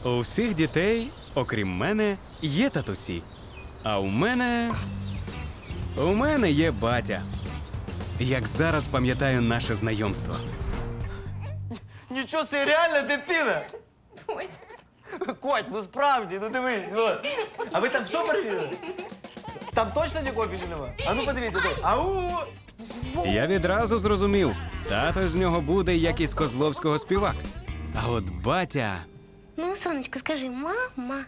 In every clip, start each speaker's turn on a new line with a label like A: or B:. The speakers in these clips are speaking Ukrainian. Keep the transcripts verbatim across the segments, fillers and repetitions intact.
A: У всіх дітей, окрім мене, є татусі. А у мене... У мене є батя. Як зараз пам'ятаю наше знайомство.
B: Нічого собі, реальна дитина!
C: Бодя.
B: Коть, ну справді, ну дивись. Ну. А ви там все перевірили? Там точно нікого більше нема? А ну подивіться, тут. Ау!
A: Я відразу зрозумів, тато з нього буде, як із Козловського співак. А от батя...
C: Ну, сонечко, скажи, мама.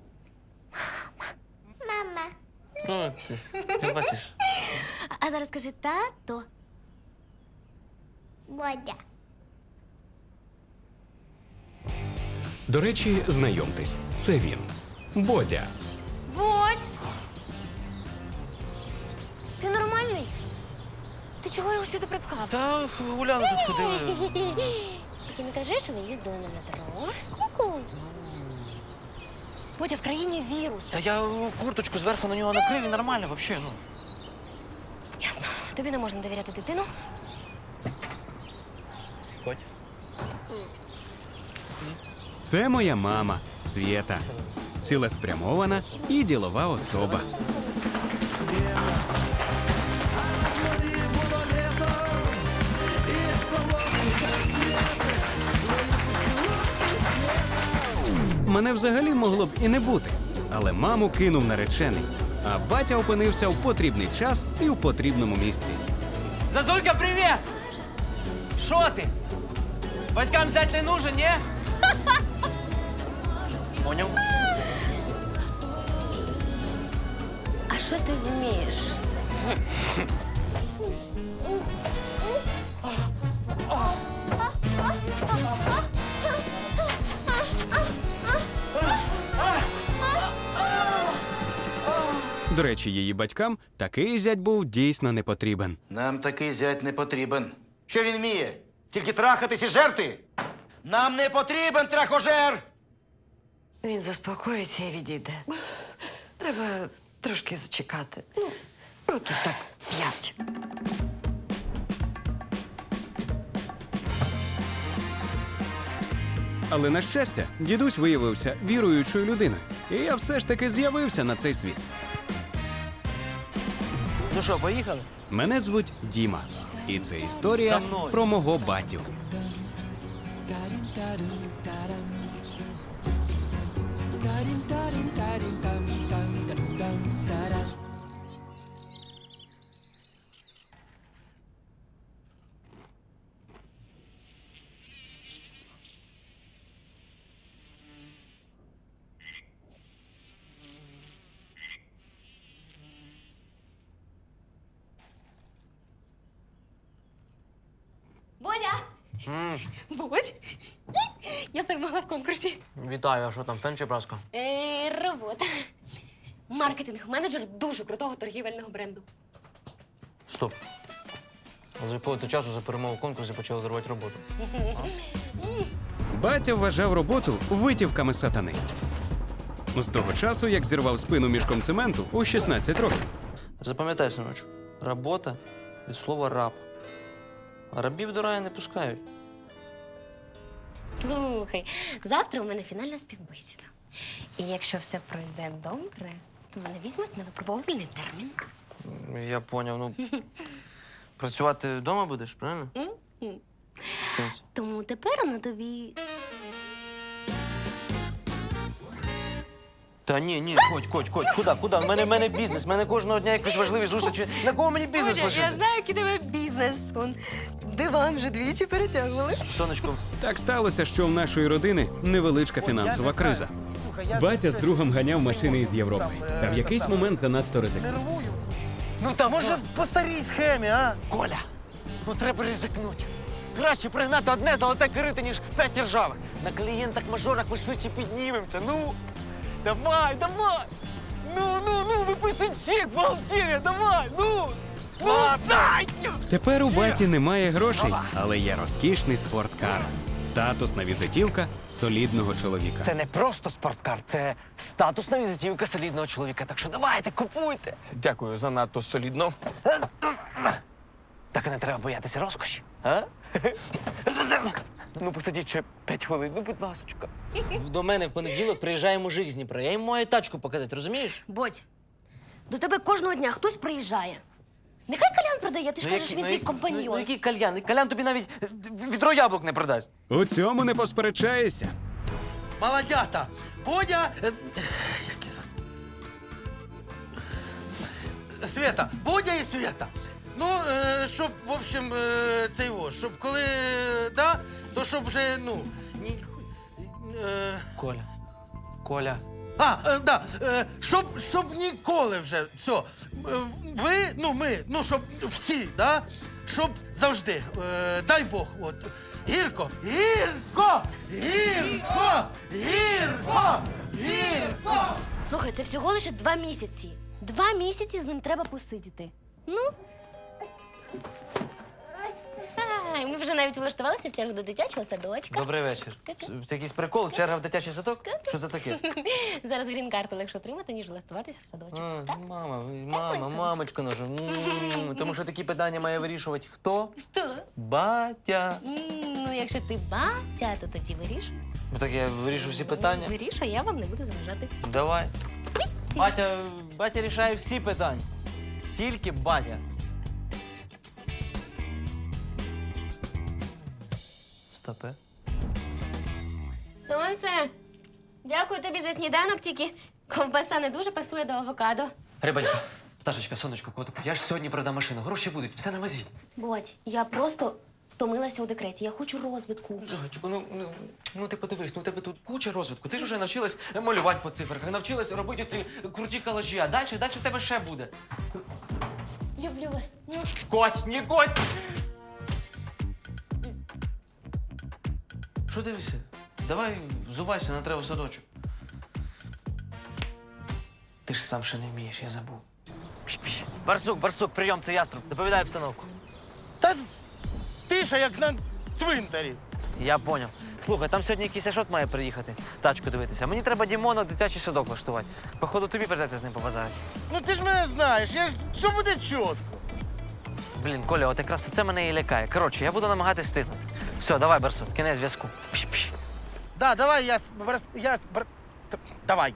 C: Мама.
B: Ну, ти, ти бачиш.
C: А зараз скажи тато. Бодя.
A: До речі, знайомтесь, це він. Бодя.
C: Бодь! Ти нормальний? Ти чого його сюди припхав?
B: Та гуляли тут ходили.
C: Тільки не кажи, що ви їздили на метро. Ку-ку. Бодя, в країні вірус.
B: Та я курточку зверху на нього накрив і нормально взагалі, ну.
C: Ясно. Тобі не можна довіряти дитину.
B: Коть.
A: Це моя мама, Свєта. Цілеспрямована і ділова особа. Мене взагалі могло б і не бути, але маму кинув наречений, а батя опинився в потрібний час і в потрібному місці.
B: Зазулька, привіт! Що ти? Батькам взять не нужен, ні? Поняв?
C: А що ти вмієш?
A: До речі, її батькам такий зять був дійсно не потрібен.
D: Нам такий зять не потрібен. Що він вміє? Тільки трахатись і жерти? Нам не потрібен трахожер!
E: Він заспокоїться і відійде. Треба трошки зачекати. Ну, років так п'ять.
A: Але, на щастя, дідусь виявився віруючою людиною. І я все ж таки з'явився на цей світ.
B: Ну що, поїхали?
A: Мене звуть Діма. І це історія
B: За мною.
A: про мого батю.
C: Бодя! Бодь! Я перемогла в конкурсі.
B: Вітаю, а що там, фен чи праска?
C: Е, робота. Маркетинг-менеджер дуже крутого торгівельного бренду.
B: Стоп. А з якого ти часу за перемогу в конкурсі почали дарувати роботу?
A: Батя вважав роботу витівками сатани. З того часу, як зірвав спину мішком цементу у шістнадцять років.
B: Запам'ятай, синочок, робота від слова раб. А рабів до раю не пускають.
C: Слухай, завтра у мене фінальна співбесіда. І якщо все пройде добре, то мене візьмуть на випробувальний термін.
B: Я поняв, ну. Працювати вдома будеш, правильно?
C: М-м.
B: В сенсі?
C: Тому тепер на тобі.
B: Та ні, ні, Коть, Коть, Коть, куди, куди? В мене, в мене бізнес, в мене кожного дня якісь важливі зустрічі. На кого мені бізнес лишити?
E: знаю, який тебе бізнес. Он диван вже двічі перетягували.
B: Сонечко,
A: Так сталося, що в нашої родини невеличка фінансова криза. Батя з другом ганяв машини із Європи. Та в якийсь момент занадто ризикнув.
F: Ну та може по старій схемі, а? Коля, ну треба ризикнути. Краще пригнати одне золоте корито, ніж п'ять ржавих. На клієнтах-мажорах ми швидше піднімемося. Ну, давай, давай! Ну, ну, ну, виписуй чек, бухгалтерія, давай, ну! Ну, дай!
A: Тепер у баті немає грошей, але є розкішний спорткар. Статусна візитівка солідного чоловіка.
F: Це не просто спорткар, це статусна візитівка солідного чоловіка. Так що давайте, купуйте. Дякую, занадто солідно. Так і не треба боятися розкоші, а? Ну, посидіть ще п'ять хвилин, ну, будь ласочка. До мене в понеділок приїжджає мужик з Дніпра. Я йому маю тачку показати, розумієш?
C: Бодь, до тебе кожного дня хтось приїжджає. Нехай Колян продає, ти ж
F: Ну,
C: кажеш,
F: який-
C: він
F: ну,
C: твій
F: як-
C: компаньон.
F: Ну, ну, який кальян? Кальян тобі навіть е, відро яблук не продасть.
A: У цьому не посперечаєшся.
G: Молодята, Бодя... е, Як її звати? Света, Бодя і Света. Ну, е, щоб, в общем, е, цей во, щоб коли, е, да, то щоб вже, ну, ні... Е,
F: Коля. Коля.
G: а, е, да, е, щоб, щоб ніколи вже, все, е, ви, ну, ми, ну, щоб всі, да, щоб завжди, е, дай Бог, от, гірко, гірко, гірко, гірко, гірко.
C: Слухай, це всього лише два місяці. Два місяці з ним треба посидіти. Ну. Ай, ми вже навіть влаштувалися в чергу до дитячого садочка.
F: Добрий вечір. Це якийсь прикол? Черга в дитячий садок? Що це таке?
C: Зараз грін-карту легше отримати, ніж влаштуватися в садочок.
F: А,
C: Так?
F: мама,
C: Ой,
F: мама,
C: сонечко.
F: мамочка наша. М, Тому що такі питання має вирішувати хто?
C: Хто?
F: Батя.
C: М, Ну, якщо ти батя, то тоді виріш.
F: Ну так я вирішу всі питання.
C: Виріш, а я вам не буду заважати.
F: Давай. Батя, батя рішає всі питання. Тільки батя. Стопе.
C: Сонце, дякую тобі за сніданок, тільки ковбаса не дуже пасує до авокадо.
F: Рибанько, Пташечка, сонечко, котику, я ж сьогодні продам машину. Гроші будуть, все на мазі.
C: Бодь, я просто втомилася у декреті. Я хочу розвитку.
F: Зайчику, ну, ну, ну ти подивись, ну у тебе тут куча розвитку. Ти ж вже навчилась малювати по цифрах, навчилась робити ці круті колажі, а далі, далі в тебе ще буде.
C: Люблю вас. Ну.
F: Коть, не коть! Що дивишся? Давай взувайся, на треба в садочок. Ти ж сам ще не вмієш, я забув. Пш-пш. Барсук, барсук, прийом, це яструб. Доповідай обстановку.
G: Та тиша, як на цвинтарі.
F: Я поняв. Слухай, там сьогодні якийсь Ашот має приїхати, тачку дивитися. Мені треба Дімона в дитячий садок влаштувати. Походу, тобі придеться з ним побазарити.
G: Ну ти ж мене знаєш, я ж все буде чітко.
F: Блін, Коля, от якраз це мене і лякає. Коротше, я буду намагатись встигнути. Все, давай, Барсук, кінець зв'язку. Пш-пш.
G: Да, давай, я, с- брас- я, с- бр- т- давай.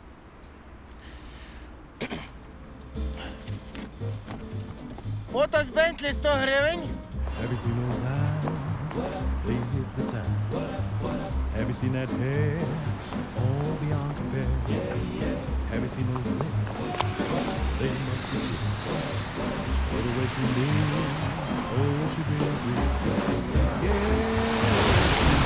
G: Фото з Бентлі сто гривень.
H: Have you seen those eyes? They hypnotize. Have you seen that hair? All beyond compare. Have you seen those lips? They must be kissed. Oh, the way she moves. Oh, she really is. Yeah.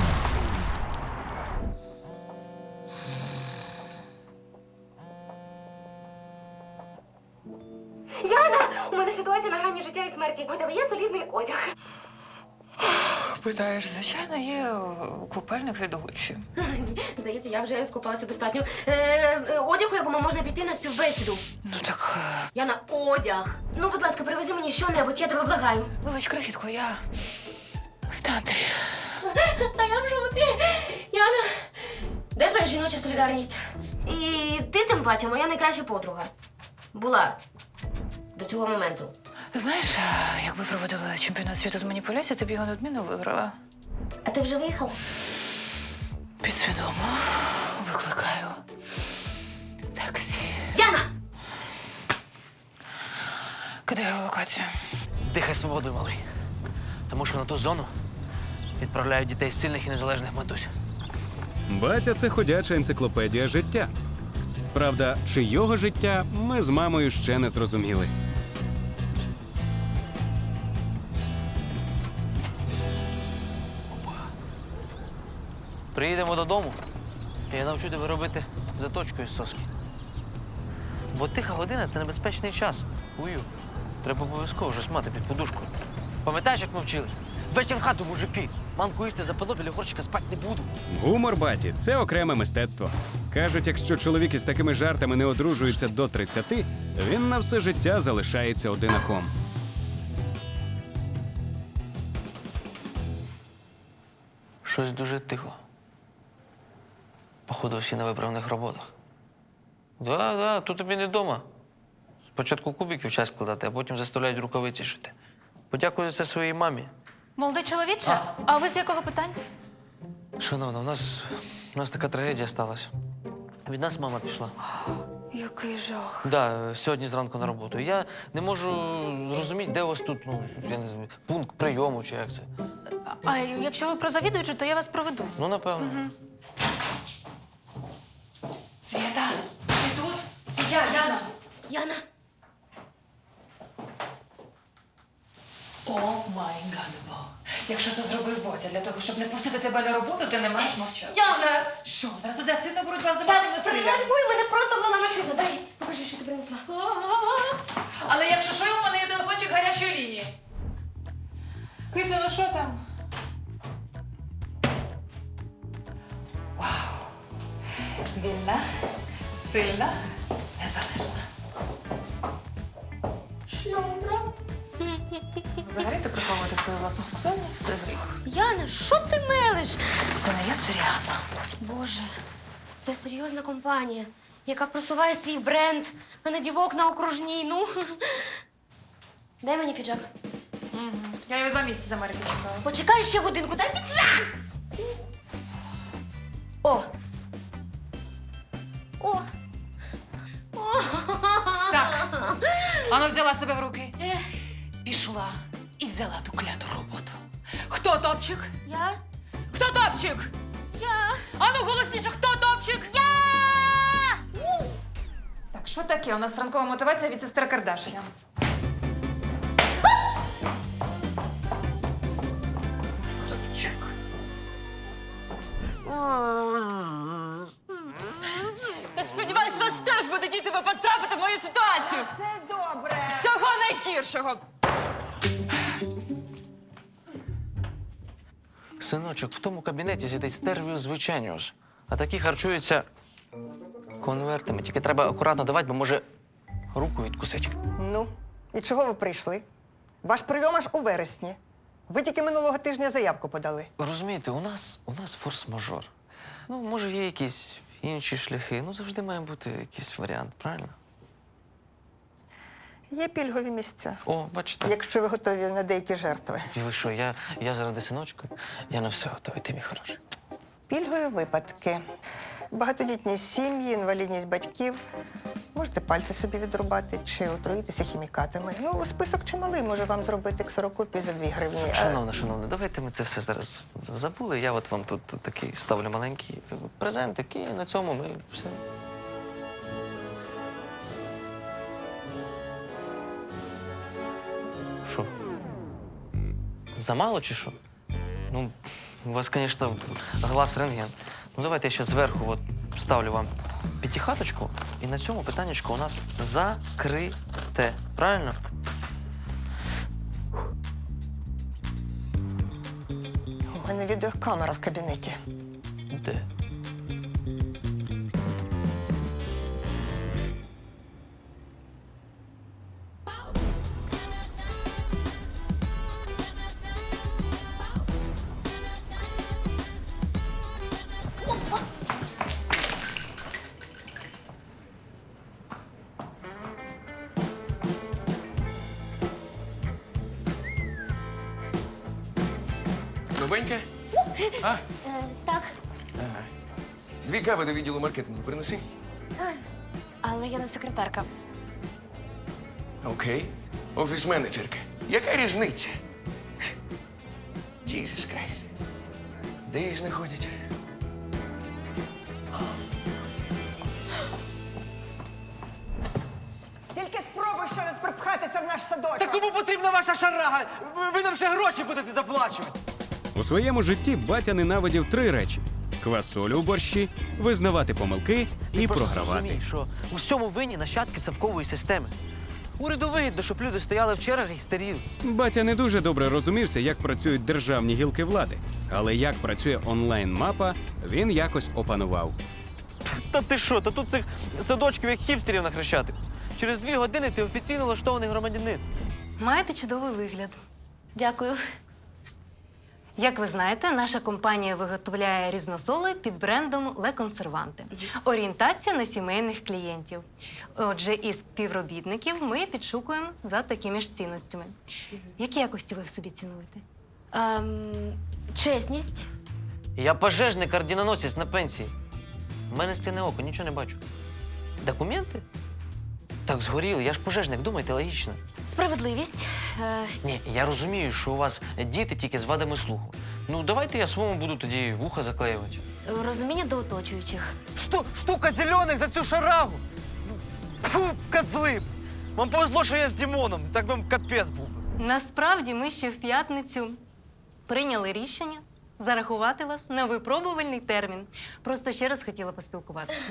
C: Яна! У мене ситуація на грані життя і смерті. У тебе є солідний одяг.
I: Питаєш, звичайно, є е, купальник від Гуччі.
C: Здається, я вже скупалася достатньо. Е, е, одяг, у якому можна піти на співбесіду.
I: Ну так, е,
C: Яна, одяг. Ну, будь ласка, привези мені що-небудь, я тебе благаю.
I: вибач, крихітко, я в театрі.
C: А я в жопі. Яна, де твоя жіноча солідарність? І ти, тим паче, моя найкраща подруга. Була. До цього моменту.
I: Знаєш, е, якби проводила чемпіонат світу з маніпуляцій, ти б його неодмінно виграла.
C: А ти вже виїхала?
I: Підсвідомо викликаю таксі.
C: Яна!
I: Кидаю локацію.
F: Дихай свободою, малий. Тому що на ту зону відправляють дітей з сильних і незалежних матусь.
A: Батя це ходяча енциклопедія життя. Правда, чийого життя ми з мамою ще не зрозуміли.
F: Приїдемо додому, і я навчу тебе робити заточку із соски. Бо тиха година це небезпечний час. Ую. Треба обов'язково щось мати під подушкою. Пам'ятаєш, як ми вчили? Вечір в хату, мужики. Манку їсти запало, біля горщика спати не буду.
A: Гумор, баті, це окреме мистецтво. Кажуть, якщо чоловік із такими жартами не одружується до тридцяти, він на все життя залишається одинаком.
F: Щось дуже тихо. Походу, всі на виправних роботах. Да, да, тут тобі не вдома. Спочатку кубиків час складати, а потім заставляють рукавиці шити. Подякую за це своїй мамі.
I: Молодий чоловіче, а ви з якого питання?
F: Шановна, у нас, у нас така трагедія сталася. Від нас мама пішла.
I: Який жах.
F: Да, сьогодні зранку на роботу. Я не можу зрозуміти, де у вас тут, ну, я не знаю, пункт прийому чи як це.
I: А якщо ви про завідуючу, то я вас проведу.
F: Ну, напевно.
I: Свята, ти тут? Це я, Яна.
C: Яна,
I: О май гадебо. Якщо це зробив Ботя для того, щоб не пустити тебе на роботу, ти не маєш мовчати.
C: Яна!
I: Що, зараз іде активна боротьба з домашнім насиллям?
C: Пригальмуй, мене просто влила машина. Дай, покажи, що ти принесла.
I: Але якщо що, у мене є телефончик гарячої лінії. Кицю, ну що там? Вау! Вільна, сильна, незалежна. Шльондра. Взагалі ти приховувати свою власну сексуальність – це гріх.
C: Яна, що ти мелиш?
I: Це не я, це Ріана.
C: Боже, це серйозна компанія, яка просуває свій бренд, а не дівок на окружній. Ну, дай мені піджак.
I: Я його два місяці з Америки чекала.
C: Почекай ще годинку, дай піджак! О! О! О!
I: Так. Ану, взяла себе в руки.
C: Е,
I: Пішла і взяла ту кляту роботу. Хто топчик?
C: я?
I: Хто топчик?
C: Я!
I: Ану, голосніше, хто топчик?
C: Я!
I: Так, що таке? У нас ранкова мотивація від сестри Кардаш'ян.
J: Сподіваюсь, вас теж буде діти, ви потрапите в мою ситуацію.
E: Все добре.
J: Всього найгіршого.
F: Синочок, в тому кабінеті сидить стервіус звичайніус, а такі харчуються конвертами. Тільки треба акуратно давати, бо може руку відкусить.
E: Ну, і чого ви прийшли? Ваш прийом аж у вересні. Ви тільки минулого тижня заявку подали.
F: Розумієте, у нас, у нас форс-мажор. Ну, може, є якісь інші шляхи. Ну, завжди має бути якийсь варіант, правильно?
E: Є пільгові місця,
F: О, бачите.
E: якщо ви готові на деякі жертви.
F: І ви що, я, я заради синочка, я на все готовий, ти мій хороший.
E: Пільгові випадки. Багатодітні сім'ї, інвалідність батьків. Можете пальці собі відрубати чи отруїтися хімікатами. Ну, список чималий, може вам зробити ксерокопію за дві гривні. А-
F: Шановна, шановна, давайте ми це все зараз забули. Я от вам тут, тут такий ставлю маленький презентик, і на цьому ми все. Що? Замало чи що? Ну, у вас, звісно, глаз рентген. Ну, давайте я ще зверху от ставлю вам п'ятихаточку, і на цьому питаннячко у нас закрите. Правильно?
E: У мене відеокамера в кабінеті.
F: Де?
K: Новеньке? А?
C: Е, так,
K: Дві кави до відділу маркетингу принеси.
C: але я не секретарка.
K: Окей. Офіс-менеджерка. Яка різниця? Jesus Christ. Де їх знаходять?
E: Тільки спробуй ще раз припхатися в наш садочок.
B: Та кому потрібна ваша шарага? Ви, ви нам ще гроші будете доплачувати.
A: У своєму житті батя ненавидів три речі: квасолю у борщі, визнавати помилки і програвати.
B: Розумій, що у всьому винні нащадки совкової системи. Уряду вигідно, щоб люди стояли в чергах і старіли.
A: Батя не дуже добре розумівся, як працюють державні гілки влади, але як працює онлайн-мапа, він якось опанував.
B: Та ти що, та тут цих садочків як хіпстерів на Хрещатик. Через дві години ти офіційно влаштований громадянин.
I: Маєте чудовий вигляд.
C: Дякую.
I: Як ви знаєте, наша компанія виготовляє різносоли під брендом Ле Консерванте. Орієнтація на сімейних клієнтів. Отже, із співробітників ми підшукуємо за такими ж цінностями. Які якості ви в собі цінуєте?
C: Ем, чесність.
B: Я пожежник, орденоносець на пенсії. У мене скляне око, нічого не бачу. Документи? Так згоріли, я ж пожежник, думайте, логічно.
C: Справедливість. Е,
B: Ні, я розумію, що у вас діти тільки з вадами слуху. Ну, давайте я своєму буду тоді вуха заклеювати.
C: розуміння до оточуючих.
F: Шту, штука зелених за цю шарагу. Фу, козли. Вам повезло, що я з Дімоном, так би капець був.
I: Насправді ми ще в п'ятницю прийняли рішення зарахувати вас на випробувальний термін. Просто ще раз хотіла поспілкуватися.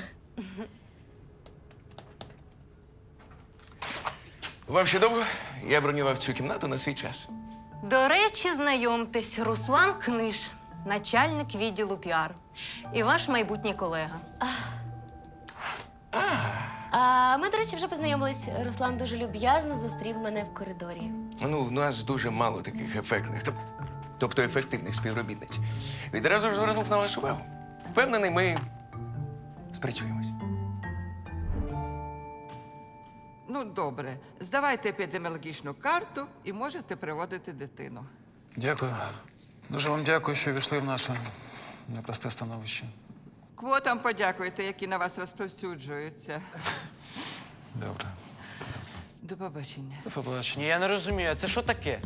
K: Вам ще довго? Я бронював цю кімнату на свій час.
I: До речі, знайомтесь, Руслан Книж, начальник відділу піар. І ваш майбутній колега.
C: А ми, до речі, вже познайомились. Руслан дуже люб'язно зустрів мене в коридорі.
K: Ну, в нас дуже мало таких ефектних, тоб- тобто ефективних співробітниць. Відразу ж звернув на вас увагу. Впевнений, ми спрацюємось.
L: Ну, добре. Здавайте епідеміологічну карту і можете приводити дитину.
M: Дякую. Дуже вам дякую, що війшли в наше непросте становище.
L: Квотам подякуйте, які на вас розповсюджуються.
M: Добре.
L: До побачення.
M: До побачення.
B: Ні, я не розумію, а це що таке?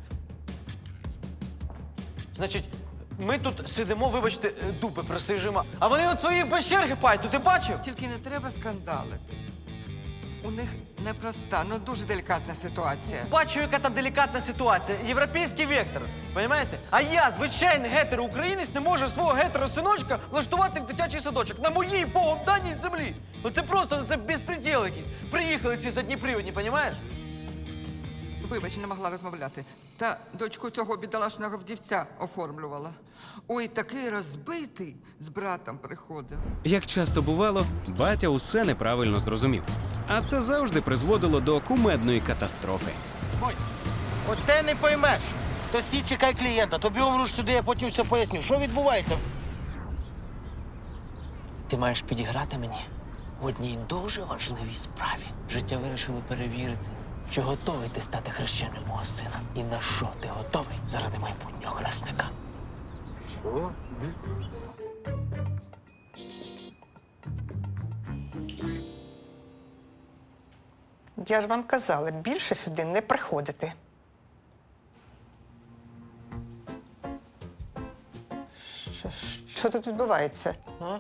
B: Значить, ми тут сидимо, вибачте, дупи присижимо, а вони от свої без черги пають, ти бачив?
L: Тільки не треба скандалити. У них непроста, ну дуже делікатна ситуація.
B: Бачу, яка там делікатна ситуація. Європейський вектор. Понімаєте? А я, звичайний гетеро-українець, не можу свого гетеро-синочка влаштувати в дитячий садочок на моїй богом даній землі. Ну це просто, ну це безпреділ якийсь. Приїхали ці задніприводні, понімаєш?
L: Вибач, не могла розмовляти. Та дочку цього бідолашного вдівця оформлювала. Ой, такий розбитий, з братом приходив.
A: Як часто бувало, батя усе неправильно зрозумів. А це завжди призводило до кумедної катастрофи.
F: Ой, от те не поймеш. То стій, чекай клієнта, тобі умруш сюди, я потім все поясню. Що відбувається?
B: Ти маєш підіграти мені в одній дуже важливій справі. Життя вирішило перевірити, чи готовий ти стати хрещеним мого сина. І на що ти готовий заради майбутнього хресника? Що?
E: Я ж вам казала, більше сюди не приходити. Що, що тут відбувається?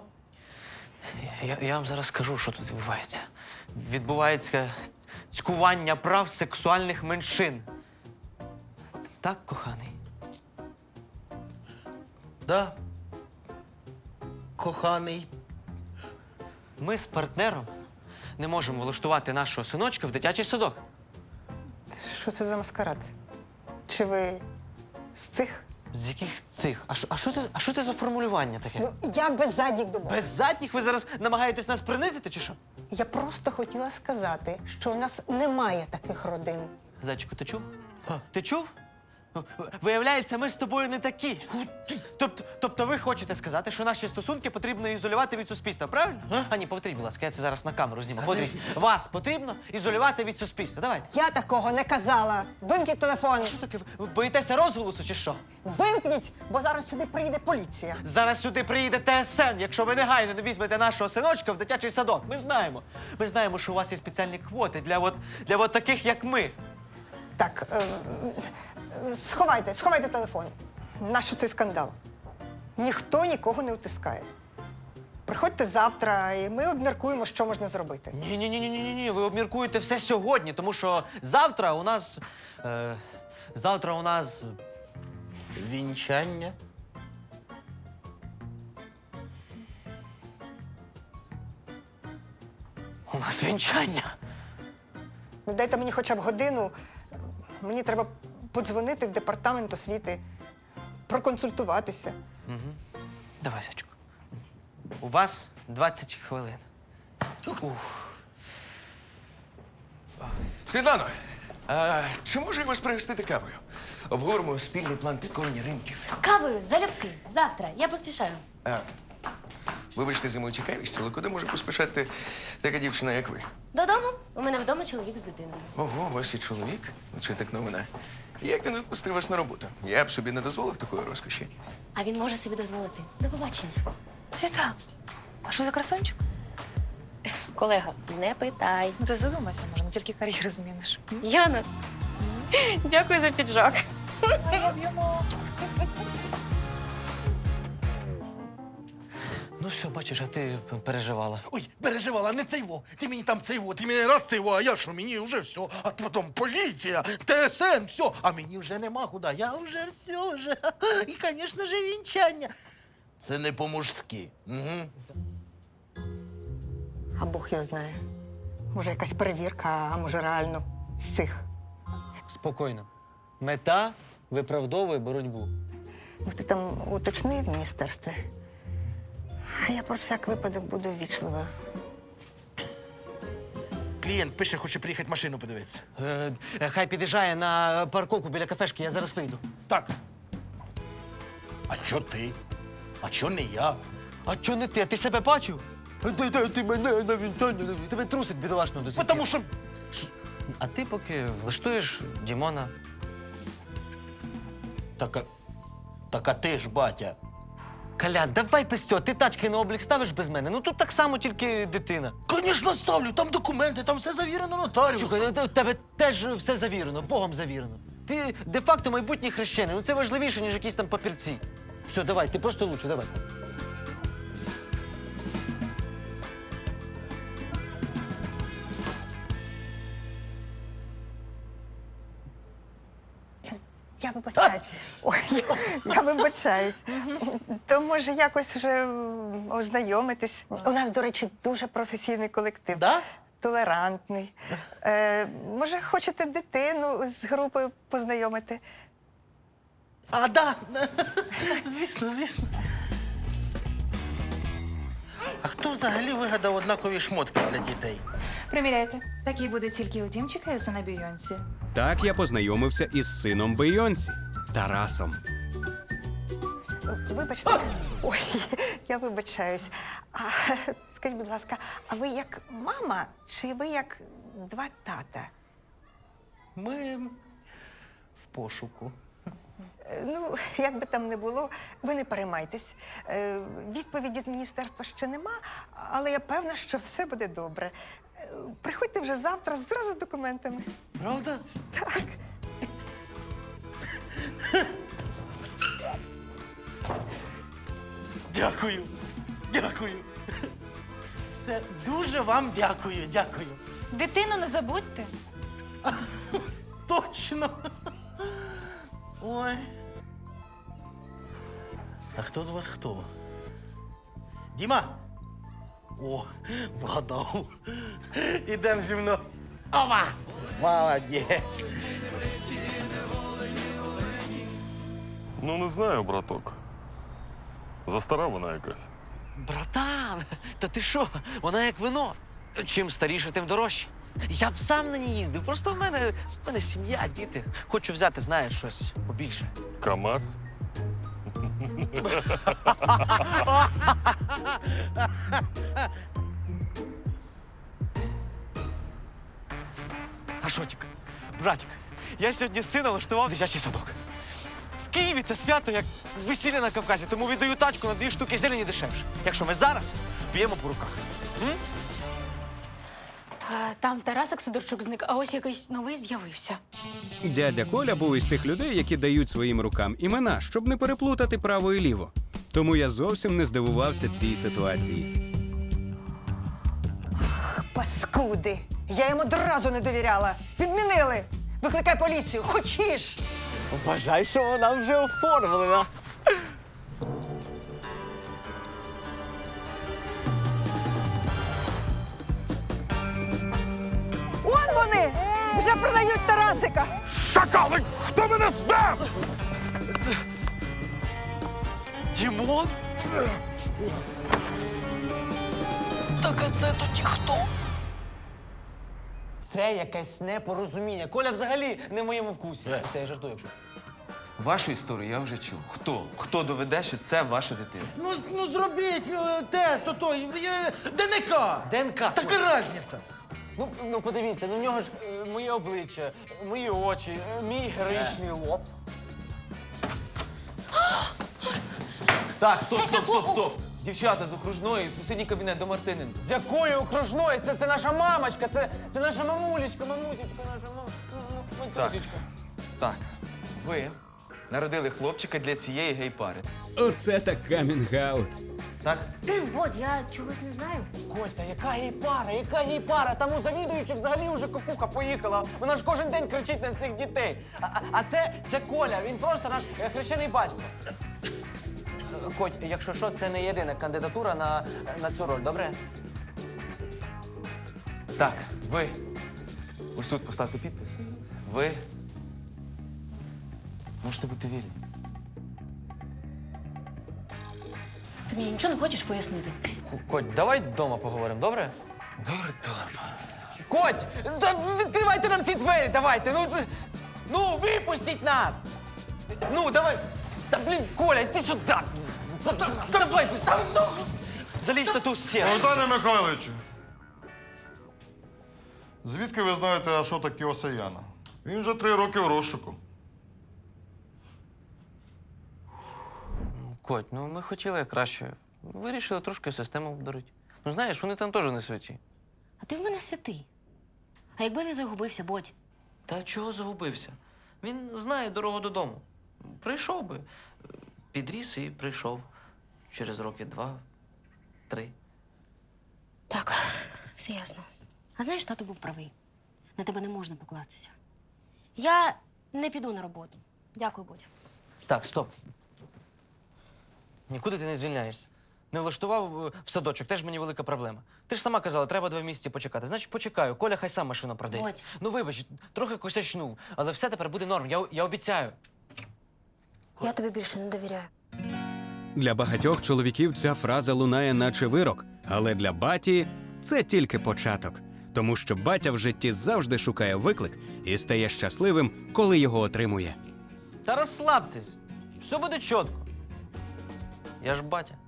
B: Я, я вам зараз скажу, що тут відбувається. Відбувається цькування прав сексуальних меншин. Так, коханий?
F: Да. Коханий.
B: Ми з партнером не можемо влаштувати нашого синочка в дитячий садок.
E: Що це за маскарад? Чи ви з цих?
B: З яких цих? А що, а що це, а що це за формулювання таке?
E: Ну, я без задніх думок.
B: Без задніх ви зараз намагаєтесь нас принизити, чи що?
E: Я просто хотіла сказати, що в нас немає таких родин.
B: Зайчику, ти чув? Ти чув? Ну, виявляється, ми з тобою не такі. Тобто, тобто ви хочете сказати, що наші стосунки потрібно ізолювати від суспільства, правильно? А, а ні, повторіть, будь ласка, я це зараз на камеру зніму. Повторіть. Вас потрібно ізолювати від суспільства. Давайте.
E: Я такого не казала. Вимкніть телефон.
B: А що таке? Ви боїтеся розголосу чи що?
E: Вимкніть, бо зараз сюди приїде поліція.
B: Зараз сюди приїде Те Ес Ен, якщо ви негайно не візьмете нашого синочка в дитячий садок. Ми знаємо. Ми знаємо, що у вас є спеціальні квоти для от, для от таких, як ми.
E: Так, е, е, сховайте, сховайте телефон. Нащо цей скандал? Ніхто нікого не утискає. Приходьте завтра, і ми обміркуємо, що можна зробити.
B: Ні, ні, ні, ні, ні, ні. Ви обміркуєте все сьогодні, тому що завтра у нас. Е, завтра у нас.
F: Вінчання.
B: У нас вінчання.
E: Ну, дайте мені хоча б годину. Мені треба подзвонити в департамент освіти, проконсультуватися.
B: Давай, зайчику. У вас двадцять хвилин. Ух.
K: Світлано, а чи можу я вас пригостити кавою? Обговоримо спільний план підкорення ринків.
C: Кавою, залюбки. Завтра. Я поспішаю.
K: А, вибачте за мою цікавість, але куди може поспішати така дівчина, як ви?
C: Додому. У мене вдома чоловік з дитиною.
K: Ого, у вас є чоловік? Це так новина. Як він відпустив вас на роботу? Я б собі не дозволив такої розкоші.
C: А він може собі дозволити. До побачення.
J: Свята, а що за красончик?
C: Колега, не питай.
J: Ну ти задумайся, може, не тільки кар'єру зміниш.
C: Яна, дякую за піджак.
B: Ну все, бачиш, а ти переживала.
G: Ой, переживала, не цейво. Ти мені там цейво, ти мені раз цейво, а я що, мені вже все. А потім поліція, ТСН, все. А мені вже нема куди. Я вже все вже. І, звісно ж, вінчання. Це не по-мужськи. Угу.
E: А Бог його знає. Може, якась перевірка, а може реально з цих.
B: Спокійно. Мета виправдовує боротьбу.
E: Ну, ти там уточни в міністерстві. А я про всяк випадок буду ввічливою.
G: Клієнт пише, хоче приїхати машину подивитися.
B: Е, е, хай під'їжджає на парковку біля кафешки, я зараз вийду.
G: Так. А чо ти? А чо не я?
B: А чого не ти? А ти себе бачив? Ти, ти, ти мене на вінчання, тебе трусить бідолашного до сих
G: Тому
B: пір.
G: що
B: А ти поки влаштуєш Дімона.
G: Так, а, так а ти ж, батя.
B: Колян, давай без цього, ти тачки на облік ставиш без мене. Ну тут так само, тільки дитина.
G: Звісно, ставлю, там документи, там все завірено нотаріусом.
B: Чукай, у тебе теж все завірено, Богом завірено. Ти де-факто майбутній хрещений, ну це важливіше, ніж якісь там папірці. Все, давай, ти просто лучше, давай.
E: Я вибачаюсь. Ой, я вибачаюсь. То може якось вже ознайомитись. У нас, до речі, дуже професійний колектив.
G: Да?
E: Толерантний. Е, може, хочете дитину з групою познайомити?
G: А, да. Звісно, звісно. А хто взагалі вигадав однакові шмотки для дітей?
J: Приміряйте. Такі будуть тільки у Дімчика і у сина Бійонсі.
A: Так я познайомився із сином Бейонсі Тарасом.
E: Вибачте. Ой, я вибачаюсь. А, скажіть, будь ласка, а ви як мама чи ви як два тата?
G: Ми в пошуку.
E: Е, Ну, як би там не було, ви не переймайтесь. Е, Відповіді з міністерства ще нема, але я певна, що все буде добре. Е, Приходьте вже завтра зразу з документами.
G: Правда?
E: Так.
G: Дякую. Дякую. Все, дуже вам дякую, дякую.
J: Дитину не забудьте.
G: Точно. Ой. А хто з вас хто? Діма? О, вгадав. Ідем зі мною. Ова! Молодець.
N: Ну, не знаю, браток. Застара вона якась.
B: Братан, та ти що? Вона як вино. Чим старіше, тим дорожче. Я б сам на ній їздив. Просто в мене, в мене сім'я, діти. Хочу взяти, знаєш, щось побільше.
N: КамАЗ?
B: А шотік, братик, я сьогодні сина влаштував в дитячий садок. В Києві це свято, як весілля на Кавказі, тому віддаю тачку на дві штуки зелені дешевше. Якщо ми зараз б'ємо по руках. М?
J: А, там Тарасик Сидорчук зник, а ось якийсь новий з'явився.
A: Дядя Коля був із тих людей, які дають своїм рукам імена, щоб не переплутати право і ліво. Тому я зовсім не здивувався цій ситуації.
E: Паскуди! Я їм одразу не довіряла. Відмінили! Викликай поліцію, хочеш!
B: Вважай, що вона вже оформлена.
E: Вон вони! Вже продають Тарасика!
N: Шакали! Хто мене здав?
B: Дімон? Так а це тоді хто? Це якесь непорозуміння. Коля взагалі не в моєму вкусі. Це я жартую, якщо.
O: Вашу історію я вже чув. Хто? Хто доведе, що це ваша дитина?
G: Ну, з- ну зробіть е, тест, ото, е, ДНК.
B: ДНК.
G: Така різниця.
F: Ну, ну подивіться, ну в нього ж е, моє обличчя, мої очі, е, мій героїчний лоб.
O: Так, стоп, стоп, стоп, стоп. Дівчата з окружної, в сусідній кабінет до Мартиненка.
F: З якої окружної? Це, це наша мамочка, це, це наша мамулечка, мамусечка, наша мам...
O: Так. Так, ви народили хлопчика для цієї гей-пари.
A: Оце так камінг-аут.
O: Так?
C: Бодь, я чогось не знаю.
F: Коль, та яка гей-пара, яка гей-пара? Там у завідуючи взагалі вже кукуха поїхала. Вона ж кожен день кричить на цих дітей. А, а- а це, це Коля, він просто наш е, хрещений батько. Е, Коть, якщо що, це не єдина кандидатура на, на цю роль, добре?
O: Так, ви. Ось тут поставте підпис. Ви. Можете бути вільні.
C: Ти мені нічого не хочеш пояснити?
F: Коть, давай вдома поговоримо, добре?
O: Добре, добре.
F: Коть, та відкривайте нам ці двері, давайте. Ну, ви- ну випустіть нас. Ну, давай. Та блін, Коля, йди сюди. За- Давай, быстро. Залізь на ту стіну.
M: Анатолій Михайловичу, звідки ви знаєте Ашота Кіосаяна? Він вже три роки в розшуку.
B: Коть, ну ми хотіли краще. Вирішили трошки систему обдурити. Ну знаєш, вони там теж не святі.
C: А ти в мене святий. А якби він загубився, Бодь?
B: Та чого загубився? Він знає дорогу додому. Прийшов би. Підріс і прийшов. Через роки два, три.
C: Так, все ясно. А знаєш, тато був правий. На тебе не можна покластися. Я не піду на роботу. Дякую, Бодя.
B: Так, стоп. Нікуди ти не звільняєшся. Не влаштував е, в садочок, теж мені велика проблема. Ти ж сама казала, треба два місяці почекати. Значить, почекаю. Коля хай сам машину продає.
C: Бодь.
B: Ну вибач, трохи косячнув, але все тепер буде норм, я, я обіцяю.
C: Я тобі більше не довіряю.
A: Для багатьох чоловіків ця фраза лунає наче вирок, але для баті це тільки початок. Тому що батя в житті завжди шукає виклик і стає щасливим, коли його отримує.
B: Та розслабтесь. Все буде чітко. Я ж батя.